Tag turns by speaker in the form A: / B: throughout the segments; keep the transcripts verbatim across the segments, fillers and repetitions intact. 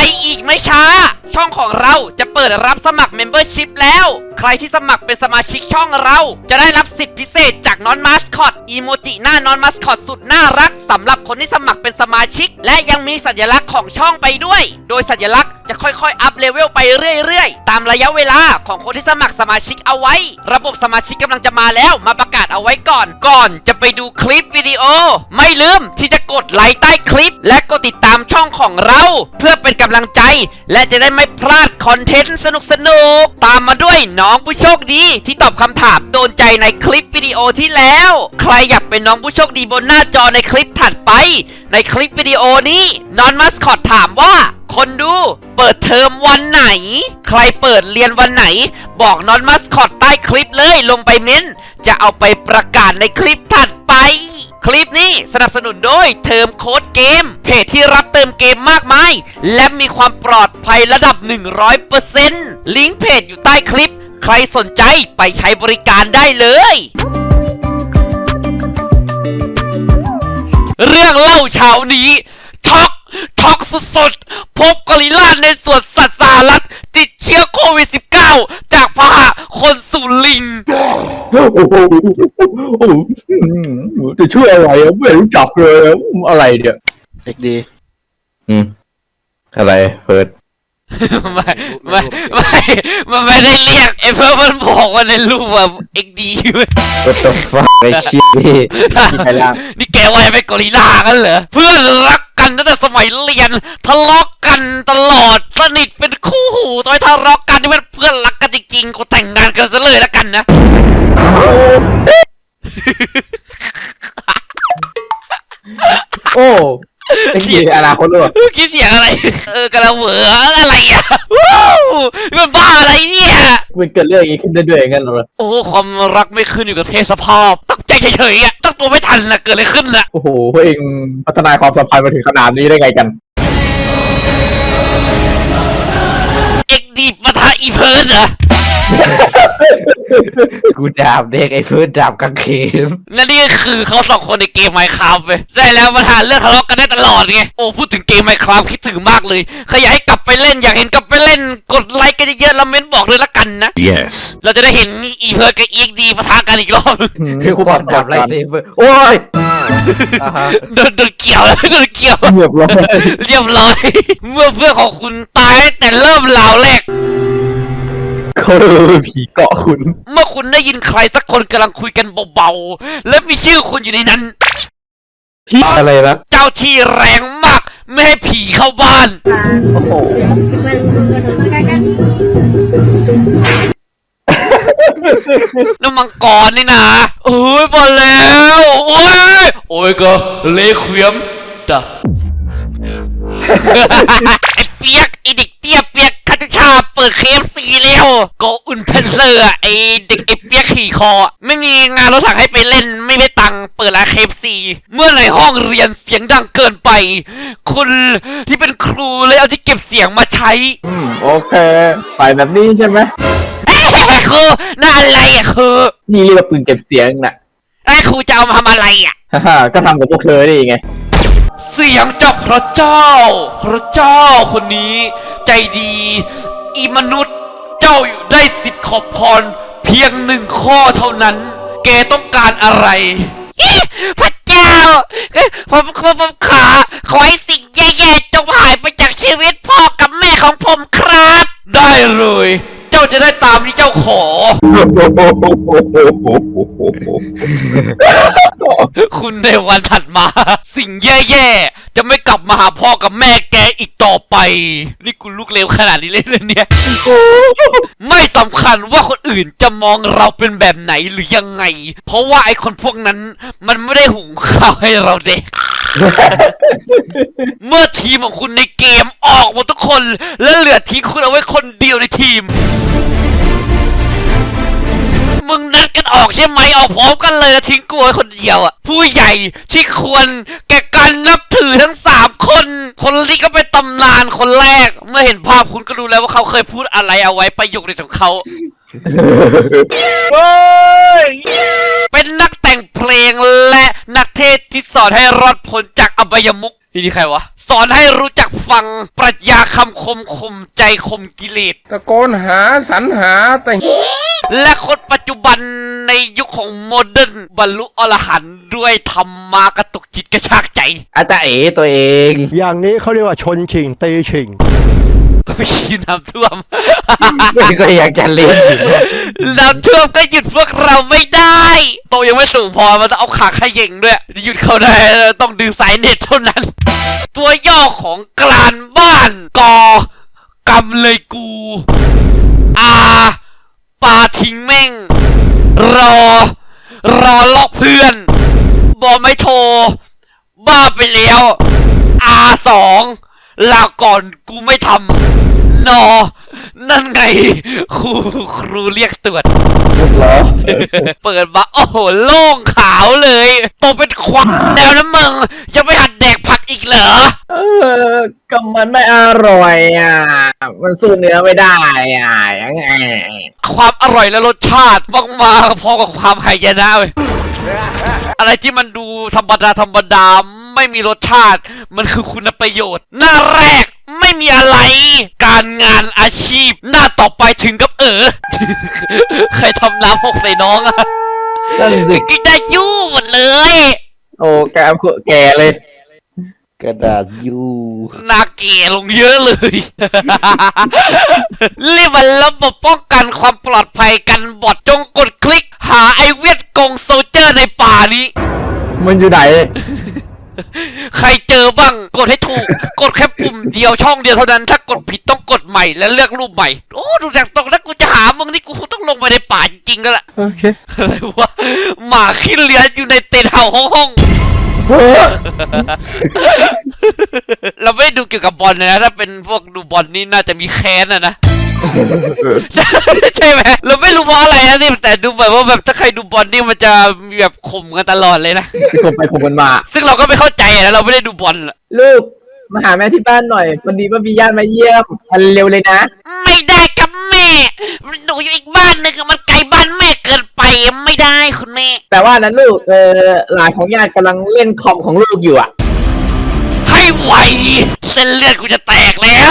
A: อีกไม่ช้าช่องของเราจะเปิดรับสมัคร Membership แล้วใครที่สมัครเป็นสมาชิกช่องเราจะได้รับสิทธิพิเศษจากนอนมาสคอตอีโมจิหน้านอนมาสคอตสุดน่ารักสำหรับคนที่สมัครเป็นสมาชิกและยังมีสัญลักษณ์ของช่องไปด้วยโดยสัญลักษณ์จะค่อยๆอัพเลเวลไปเรื่อยๆตามระยะเวลาของคนที่สมัครสมาชิกเอาไว้ระบบสมาชิกกำลังจะมาแล้วมาประกาศเอาไว้ก่อนก่อนจะไปดูคลิปวิดีโอไม่ลืมที่จะกดไลค์ใต้คลิปและกดติดตามช่องของเราเพื่อเป็นกำลังใจและจะได้ไม่พลาดคอนเทนต์สนุกๆตามมาด้วยน้องผู้โชคดีที่ตอบคำถามโดนใจในคลิปวิดีโอที่แล้วใครอยากเป็นน้องผู้โชคดีบนหน้าจอในคลิปถัดไปในคลิปวิดีโอนี้นอนมัสคอตถามว่าคนดูเปิดเทอมวันไหนใครเปิดเรียนวันไหนบอกนอนมัสคอตใต้คลิปเลยลงไปเม้นจะเอาไปประกาศในคลิปถัดไปคลิปนี้สนับสนุนโดยเทอมโค้ดเกมเพจที่รับเติมเกมมากมายและมีความปลอดภัยระดับ หนึ่งร้อยเปอร์เซ็นต์ ลิงก์เพจอยู่ใต้คลิปใครสนใจไปใช้บริการได้เลยเรื่องเล่าเช้านี้ช็อกช็อกสุดๆพบกอริลลาในสวนสัตว์สหรัฐติดเชื้อโควิด สิบเก้า จากพาหะคนสู่ลิง
B: จะช่วยอะไรอ่ะไม่รู้จักเลยอะไรเนี่ย
C: เด็กดี
B: อืมอะไรเปิด
A: ไม่ไม่ไม่มันไม่ได้เรียกไอ้เพื่อนมันบอกว่าในรูปแบบเอ็กดีเว้ย
B: What the fuck ไอ้ชิบนี่ใครล่ะ
A: นี่แกว่าจะเป็นกอริลลากันเหรอเพื่อนรักกันตั้งแต่สมัยเรียนทะเลาะกันตลอดสนิทเป็นคู่หูตอนทะเลาะกันที่เป็นเพื่อนรักกันจริงๆกูแต่งงานกันซะเลยแล้วกันนะ
B: โอ้เสียงอะไรคนรู้
A: คิดเสียงอะไรเออกระเหวออะไรอ่ะว้าวมันบ้าอะไรเนี่ย
B: มันเกิดเรื่องอย่างนี้ขึ้นได้ด้วยงั้นเหรอ
A: โอ้ความรักไม่ขึ้นอยู่กับเพศสภาพตั้งใจเฉยๆอ่ะตั้งตัวไม่ทันนะเกิดอะไรขึ้นล่ะ
B: โอ้โหเองพัฒนาความสัมพันธ์มาถึงขนาดนี้ได้ไงกัน
A: เอ็กดีปะทะอีเพิร์ดเหรอ
B: กูดาบเด็กไอ้เพิร์ดดาบกางเขน
A: นั่นนี่คือเขาสองคนในเกม Minecraft ไปใช่แล้วปัญหาเรื่องทะเลาะกันได้ตลอดไงโอ้พูดถึงเกม Minecraft คิดถึงมากเลยใครอยากให้กลับไปเล่นอยากเห็นกลับไปเล่นกดไลค์กันเยอะๆแล้วเม้นบอกเลยละกันนะ
C: yes
A: เราจะได้เห็นอีเพิร์ดกับอีเอ็กดีปะทะกันอีกรอบ
B: คือกูบอกดาบไลท์เซเบอร์โอ้ย
A: โดนโดนเกี่ยวโดนเกี่ยว
B: เรียบร้อย
A: เรียบร้อยเมื่อเพื่อนของคุณตายแต่เริ่มราวแรก
B: เขาผีเกาะคุณ
A: เมื่อคุณได้ยินใครสักคนกำลังคุยกันเบาๆและมีชื่อคุณอยู่ในนั้น
B: พี่อะไรนะ
A: เจ้าที่แรงมากไม่ให้ผีเข้าบ้าน
B: โอ้โห
A: น้ำมังกรนี่นะเอ้ยพอแล้วโอ้ยโอ้ยก็เละเขวียมด่ะไอ้เปียกไอ้เด็กเตี้ยเปียกคาตุชาเปิดเคฟซีแล้วก็อุ่นเพนเซอร์ไอ้เด็กไอ้เปียกขี่คอไม่มีงานรถถังให้ไปเล่นไม่ได้ตังค์เปิดร้านเคฟซีเมื่อในห้องเรียนเสียงดังเกินไปคุณที่เป็นครูเลยเอาที่เก็บเสียงมาใช้
B: อืมโอเคไปแบบนี้ใช่ไหม
A: คือน่าอะไรอ่ะคือ
B: นี่เรียกว่าปืนเก็บเสียงน่ะ
A: ไอ้ครูจะเอามาทำอะไรอ่ะ
B: ฮ่าก็ทำกับพวกเธอได้ไง
A: เสียงจากพระเจ้าพระเจ้าคนนี้ใจดีอีมนุษย์เจ้าอยู่ได้สิทธิ์ขอพรเพียงหนึ่งข้อเท่านั้นแกต้องการอะไรพระเจ้าผมผมผมขาขอให้สิ่งแย่ๆจงหายไปจากชีวิตพ่อกับแม่ของผมครับได้เลยเจ้าจะได้ตามที่เจ้าขอคุณในวันถัดมาสิ่งแย่ๆจะไม่กลับมาหาพ่อกับแม่แกอีกต่อไปนี่กูลูกเลวขนาดนี้เลยเนี่ยไม่สำคัญว่าคนอื่นจะมองเราเป็นแบบไหนหรือยังไงเพราะว่าไอ้คนพวกนั้นมันไม่ได้หุงข้าวให้เราเด็กเมื่อทีมของคุณในเกมออกหมดทุกคนและเหลือทิ้งคุณเอาไว้คนเดียวในทีมมึงนัดกันออกใช่ไหมออกพร้อมกันเลยทิ้งกูไว้คนเดียวอ่ะผู้ใหญ่ที่ควรแก่การนับถือทั้งสามคนคนที่ก็เป็นตำนานคนแรกเมื่อเห็นภาพคุณก็รู้แล้วว่าเขาเคยพูดอะไรเอาไว้ประโยคเด็ดของเขาเป็นนักแต่งเพลงและนักเทศที่สอนให้รอดพ้นจากอบายมุขนี่ใครวะสอนให้รู้จักฟังปรัชญาคำคมข่มใจข่มกิเลส
C: ตะโกนหาสรรหาแต่
A: และคนปัจจุบันในยุคของโมเดิร์นบรรลุอรหันต์ด้วยธรรมากระตุกจิตกระชากใจ
B: อาจารย์เอ๋ตัวเอง
D: อย่างนี้เขาเรียกว่าชนชิงตีชิง
A: ขี้น้ำท่วม
B: ไม่ก็อยากจะเล่น
A: น้ำท่วมก็หยุดพวกเราไม่ได้โตยังไม่สูงพอมันต้องเอาขาขย่งด้วยจะหยุดเขาได้ต้องดึงสายเน็ตเท่านั้น ตัวย่อของกลานบ้านกอกำเลยกูอาปาทิ้งแม่ง รอ รอลอกเพื่อนบอไม่โทร บ้าไปแล้วอาสองลาก่อนกูไม่ทำนอ นั่นไง ครูครูเรียกตรวจ
B: เหรอ
A: เปิดมาโอ้โหโล่งขาวเลยโตเป็นควันแล้วนะมึงยังไม่หัดแดกผักอีกเหรอ
B: เออก็มันไม่อร่อยอ่ะ มันสู้เนื้อไม่ได้อ่ะยังไง
A: ความอร่อยและรสชาติมากมาพอกับความหายนะเว้ยอะไรที่มันดูธรรมดาธรรมดาไม่มีรสชาติ มันคือคุณประโยชน์ หน้าแรกไม่มีอะไร การงานอาชีพ หน้าต่อไปถึงกับเออ ใครทำน้ำหกใส่น้องอะ
B: นั่นสิ
A: กินได้ยู่หมดเลย
B: โอ้แกแก่เลย
D: กระดาษยู
A: หน้าเก๋ลงเยอะเลย รีบมาระบบป้องกันความปลอดภัยกันบอดจงกดคลิก หาไอเวียดกงโซลเจอร์ในป่านี้
B: มันอยู่ไหน
A: ใครเจอบ้างกดให้ถูก กดแค่ปุ่มเดียวช่องเดียวเท่านั้น ถ้ากดผิดต้องกดใหม่และเลือกรูปใหม่ โอ้ดูจากตรงนั้นกูจะหามึงนี่กูคงต้องลงไปในป่าจริงๆแล้วล่ะ
B: โอเค
A: อะไรวะหมาขี้เลื้อนอยู่ในเต็นท์เห่าห้องห้อง
B: เฮ้ย
A: ๆเราไม่ได้ดูเกี่ยวกับบอลเลยนะถ้าเป็นพวกดูบอลนี่น่าจะมีแค้นอะนะ ใช่ไหมเราไม่รู้เพราะอะไรนะนี่แต่ดูแบบว่าแบบถ้าใครดูบอลนี่มันจะมีแบบข่มกันตลอดเลยนะ
B: ผมไปผมกันมา
A: ซึ่งเราก็ไม่เข้าใจนะเราไม่ได้ดูบอลอะ
B: ลูก มาหาแม่ที่บ้านหน่อยวันนี้ว่ามีญาติมาเยี่ยมทันเร็วเลยนะ
A: ไม่ได้กับแม่หนูอยู่อีกบ้านหนึ่งมันไกลบ้านแม่เกินไปไม่ได้คุณแม่
B: แต่ว่านั้นลูก เออหลานของญาติกำลังเล่นคอมของลูกอยู่อ่ะ
A: ให้ไวเส้นเลือดกูจะแตกแล้ว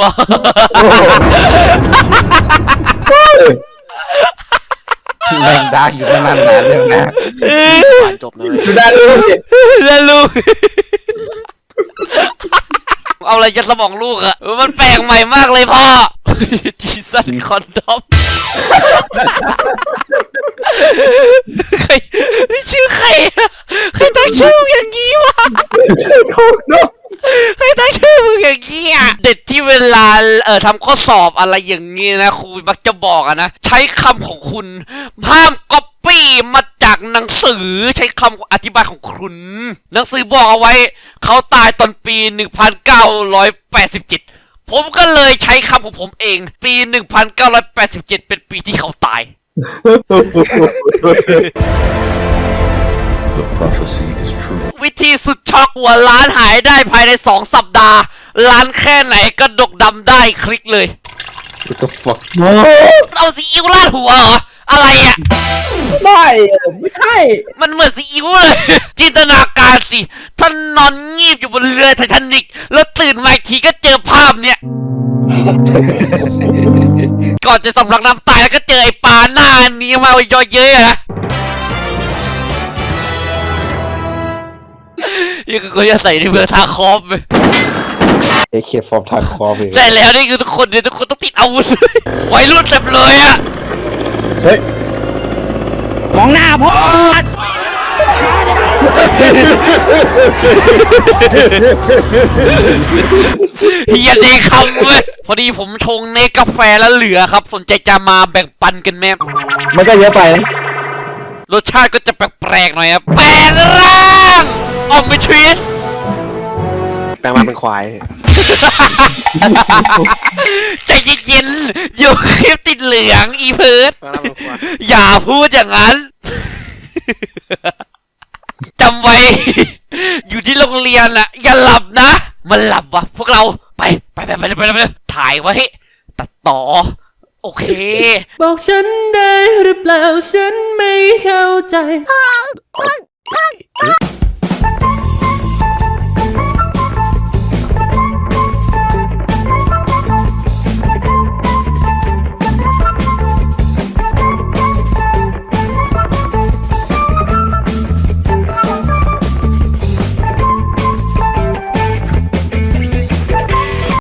D: แรงดักอยู่ประมาณนั้นเลยนะ
C: จบเลย
B: ดูได้ลูกสิ
A: แล้วลูก เอาอะไรจะสมองลูกอะมันแปลกใหม่มากเลยพ่อ จีสันคอนดอม ใครนี่ชื่อใครอะใครตั้งชื่อมึงอย่างงี้วะ
B: ชื่อถูกเนาะ
A: ใครตั้งชื่อมึงอย่างงี้อ่ะเด็ดที่เวลาเอ่อทำข้อสอบอะไรอย่างงี้นะครูมักจะบอกอะนะใช้คำของคุณห้ามก๊อปปี้มาจากหนังสือใช้คำอธิบายของคุณ หนังสือบอกเอาไว้ เขาตายตอนปี หนึ่งพันเก้าร้อยแปดสิบเจ็ด ผมก็เลยใช้คำของผมเอง ปี หนึ่งพันเก้าร้อยแปดสิบเจ็ด เป็นปีที่เขาตาย
E: The prophecy is true.
A: วิธีสุดช็อกหัวล้านหายได้ภายในสองสัปดาห์ ล้านแค่ไหนก็ดกดำได้คลิกเลย
D: What the fuck
A: เอาซีอิ๊วราดหัวเหรอ อะไรอ่ะ
B: ไม่ไม่ใช่
A: มันเหมือนซีอิ๊วเลย จินตนาการสิ ท่านนอนงีบอยู่บนเรือไททานิก แล้วตื่นมาอีกทีก็เจอภาพเนี่ย ก่อนจะสำลักน้ำตายแล้วก็เจอไอ้ปลาหน้านี้มาเยอะเยอะนะนี่คือคนจะใส่ในเมืองทาคอมไป
D: เอเคฟอร์มทางคอไป
A: ใช่แล้วนี่คือทุกคนเนี่ยทุกคนต้องติดอาวุธ วัยรุ่นเต็มเลยอะ
B: เฮ้ย
A: มองหน้าพ่อเฮียเนคำเว้ยพอดีผมชงเนกาแฟแล้วเหลือครับ สนใจจะมาแบ่งปันกันไหม
B: มันก็เยอะไปนะ
A: รสชาติก็จะแปลกๆหน่อยครับแปลงร่างออมไปทริส
C: แปลงมาเป็นควาย
A: ใจเย็นๆอยู่คลิปติดเหลืองอีเพิร์ด
C: แปลงมาเป็นควาย
A: อย่าพูดอย่างนั้น จำไว้ อยู่ที่โรงเรียนอะอย่าหลับนะ มันหลับวะพวกเราไปไปไปไปไปไปถ่ายไว้ตัดต่อ โอเค
F: บอกฉันได้หรือเปล่าฉันไม่เข้าใจ